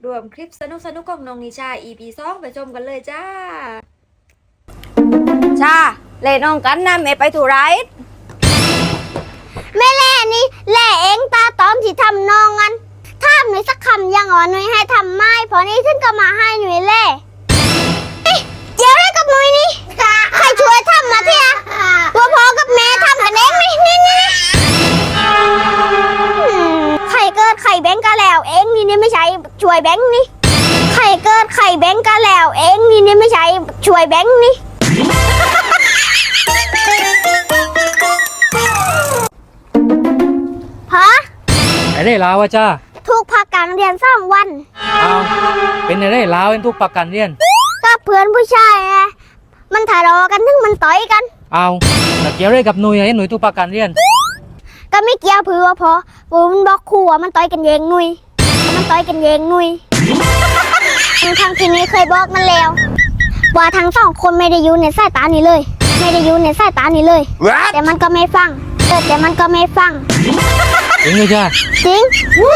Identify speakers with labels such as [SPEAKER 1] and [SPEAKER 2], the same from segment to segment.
[SPEAKER 1] รวมคลิปสนุกของน้องนิชา EP 2ไปชมกันเลยจ้า
[SPEAKER 2] ชาเล่น้องกันนะแม่ไปถูไร
[SPEAKER 3] แม่แล่นี่แล่เองตาตอมที่ทำนองกันถ้าหนูสักคำยังหนุ่ยให้ทำไม่พอนี้ถึงก็มาให้หนุ่ยแล่เดี๋ยวได้กับหนุ่ยนี่ใครช่วยทำมาเพียว่าพอกับแม่ทำกันเองนี่ใครเกิดใครแบงก์ก็แล้วเองนี่ไม่ใช่ช่วยแบงก์นี่ใครเกิดใครแบงก์ก็แล้วเองนี่ไม่ใช่ช่วยแบงก์นี่ฮะ
[SPEAKER 4] ไอ้ได้ลาวอะจ้า
[SPEAKER 3] ทุกพักการเรียน2 วัน
[SPEAKER 4] เอาเป็นไอ้ได้ลาวเป็นทุกปักกันเรียน
[SPEAKER 3] ก็เพื่อนผู้ชายไงมันทะเลาะกันถึงมันต่อยกัน
[SPEAKER 4] เอาแต่เกี่ยวอะไรกับหนุ่ยไอ้หนุ่ยทุกปักกันเรียน
[SPEAKER 3] ก็ไม่เกี่ยวเพื่อพอมันบอกครูว่ามันต่อยกันเองหนุ่ยมันต่อยกันเองหนุ่ยทางที่นี้เคยบอกมันแล้วว่าทั้ง2 คนไม่ได้อยู่ในสายตานี้เลยไม่ได้อยู่ในสายตานี้เลย แต่มันก็ไม่ฟังแต่มันก็ไม่ฟัง
[SPEAKER 4] จริงเลยจ้า
[SPEAKER 3] จริง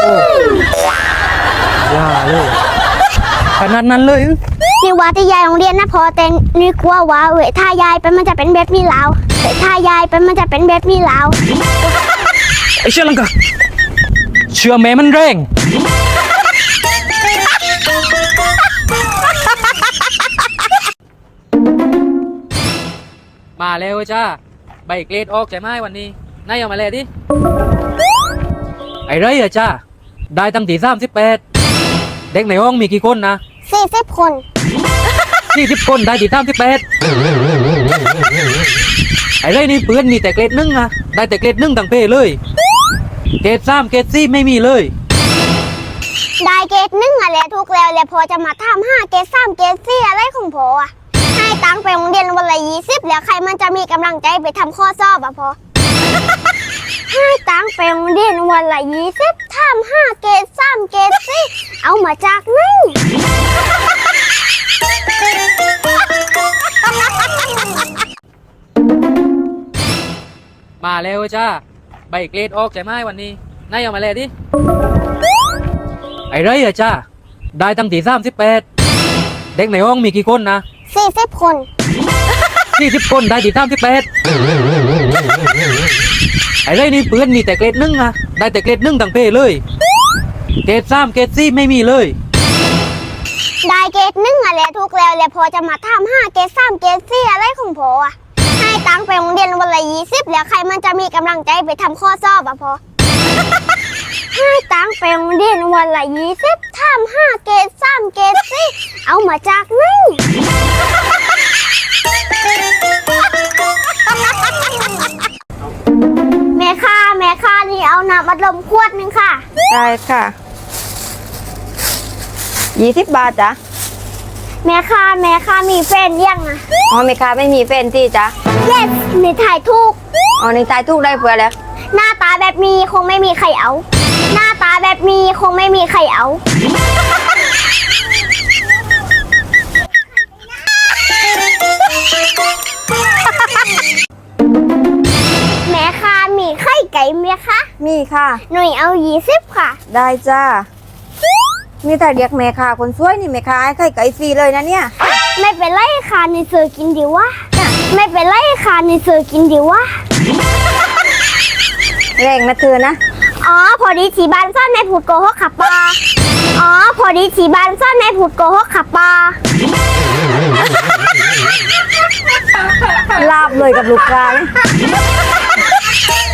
[SPEAKER 4] อย่าเลยขนาดนั้นเลย
[SPEAKER 3] นี่ว่าที่ยายโรงเรียนนะพอแต่นี่กลัวว่าถ้ายายไปมันจะเป็นแบบนี้แล้วถ้ายายไปมันจะเป็นแบบนี้แล้ว
[SPEAKER 4] ไอ้เชื่อลังกะเชื่อแม่มันแรงมาแล้วจ้าใบเกรดออกใช่ไหมวันนี้นายเอามาเลยดิไอ้ไรอะจ้าได้ตั้งที่38เด็กในห้องมีกี่คนนะ
[SPEAKER 3] 40 คน
[SPEAKER 4] 40 คนได้ที่38ไอ้ไรนี่เพื่อนมีแต่เกรด1อะได้แต่เกรด1ตั้งเพเลยเกรด3เกรด4ไม่มีเลย
[SPEAKER 3] ได้เกรด1อะไรทุกแล้วพอจะมาทำ5เกรด3เกรด4อะไรของพออะให้ตังไปโรงเรียนวันละ20แล้วใครมันจะมีกำลังใจไปทำข้อสอบอะพอให้ตังไปโรงเรียนวันละ20ทำ5เกรด3เกรด4เอามาจากไหน
[SPEAKER 4] มาแล้วจ้าใบเกรดออกใช่ไหมวันนี้นายเอามาเลยดิไอ้ไรอะจ้าได้ตั้งที่38เด็กในห้องมีกี่คนนะ
[SPEAKER 3] 40 คน
[SPEAKER 4] 40 คนได้ที่38ไอ้ไรนี่เพื่อนมีแต่เกรด1อะได้แต่เกรด1ตั้งเพเลยเกรด3เกรด4ไม่มีเลย
[SPEAKER 3] ได้เกรด1อะไรทุกแล้วพอจะมาทำ5เกรด3เกรด4อะไรของพออะให้ตังไปโรงเรียนวันละ20แล้วใครมันจะมีกำลังใจไปทำข้อสอบอะพอให้ตังไปโรงเรียนวันละ20ทำ5เกรด3เกรด4เอามาจากไหนแม่ค้านี่เอาน้ำอัดลมขวดนึงค่ะ
[SPEAKER 2] ได้ค่ะ20 บาทจ้ะ
[SPEAKER 3] แม่ค้ามีแฟนยังอะ
[SPEAKER 2] อ๋อแม่ค้าไม่มีแฟนที่จ้ะ
[SPEAKER 3] yes ในถ่ายถูก
[SPEAKER 2] อ๋อในตายทุกได้เพื่อแล้ว
[SPEAKER 3] หน้าตาแบบมีคงไม่มีใครเอาหน้าตาแบบมีคงไม่มีใครเอาแม่ค้ามีไข่ไก่ไหมคะ
[SPEAKER 2] มีค่ะ
[SPEAKER 3] หน่วยเอา20ค่ะ
[SPEAKER 2] ได้จ้านี่แต่เรียกแม่ค้าคนสวยนี่แม่ค้าให้ไข่ไก่ฟรีเลยนะเนี่ย
[SPEAKER 3] ไม่เป็นไรค่ะในเสือกินดีวะไม่เป็นไรค่ะในเสือกินดีวะ
[SPEAKER 2] แรงนะเธอนะ
[SPEAKER 3] อ๋อพอดีที่บ้านซ่อนในผูดโกหกขับปลาอ๋อพอดีที่บ้านซ่อนในผูดโกหกขับปลา
[SPEAKER 2] ลาบเลยกับลูกค้า